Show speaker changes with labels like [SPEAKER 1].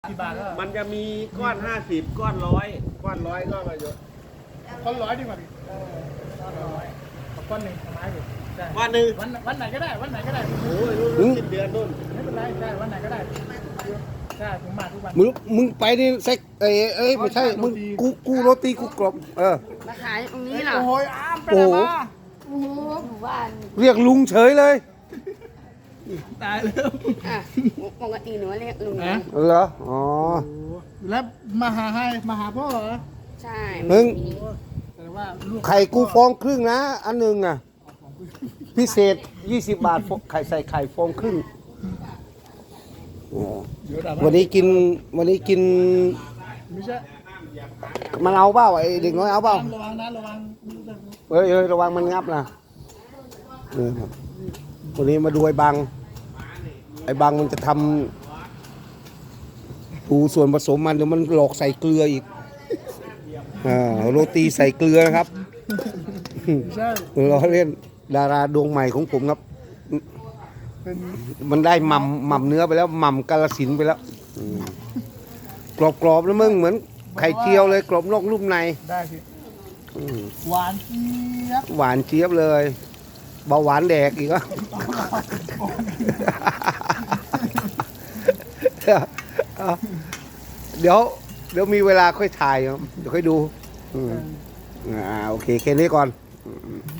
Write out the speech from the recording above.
[SPEAKER 1] กี่บาทแล้ว
[SPEAKER 2] มันจะมีก้อน50ก้อน100ก้อน100ก็มาเยอะ
[SPEAKER 1] ก้อนร้อยดีกว่าดิก้อนร้อยเอาก้อนหนึ่งไม้ดิได้
[SPEAKER 2] ก้อนหนึ่ง
[SPEAKER 1] วันไหนก็ได้วันไหนก็ได้
[SPEAKER 2] โอ้ยรุ่นสิ้นเดือนนู่น
[SPEAKER 1] ไม่เป็นไรได้วันไหนก็ได้ใช่ผมมาทุกวัน
[SPEAKER 3] มึงไปนี่เซ็กเอ้ยไม่ใช่มึงกูโรตีกูกรอบ
[SPEAKER 4] มาขายตรงนี้เหรอ
[SPEAKER 1] โอ้ยอ้ามไป
[SPEAKER 3] โอ้
[SPEAKER 1] ไหน
[SPEAKER 3] โห
[SPEAKER 1] มา
[SPEAKER 4] โอ้โหหมู่บ้าน
[SPEAKER 3] เรียกลุงเฉยเลย
[SPEAKER 1] ตายแล้ว
[SPEAKER 4] อ่ะปกติหนูเรียกลุง
[SPEAKER 1] นะ
[SPEAKER 3] เหรออ๋อ
[SPEAKER 1] แล้วมาหาให้มาหาพ่อเหรอ
[SPEAKER 4] ใช่
[SPEAKER 3] มึง
[SPEAKER 1] แต่ว่าลูก
[SPEAKER 3] ไข่กูฟองครึ่งนะอันหนึ่งอ่ะพิเศษ20 บาทไข่ใส่ไข่ฟองครึ่งอ๋อ
[SPEAKER 1] เดี๋ยวด่า
[SPEAKER 3] วันนี้กิน
[SPEAKER 1] ไม่ใช่
[SPEAKER 3] มันเอาเปล่าไอ้เด็กน้อยเอาเปล่า
[SPEAKER 1] ระวังนะระวัง
[SPEAKER 3] เอ้ยระวังมันงับนะวันนี้มาดูไอ้บังมันจะทำดูส่วนผสมมันเดี๋ยวมันหลอกใส่เกลืออีกโรตีใส่เกลือนะครับ
[SPEAKER 1] ไม่ใช่
[SPEAKER 3] เราเล่นดาราดวงใหม่ของผมครับ
[SPEAKER 1] เป็น
[SPEAKER 3] มันได้หม่ำเนื้อไปแล้วหม่ำกาฬสินธุ์ไปแล้วกรอบๆแล้วมึงเหมือนไข่เจียวเลยกรอบนอกนุ่มใน
[SPEAKER 1] ได้สิ
[SPEAKER 3] อืม
[SPEAKER 1] หวานเจี๊ยบ
[SPEAKER 3] หวานเจี๊ยบเลยเบาหวานแดกอีกอ่ะ เดี๋ยวมีเวลาค่อยถ่ายครับเดี๋ยวค่อยดูโอเคแค่นี้ก่อน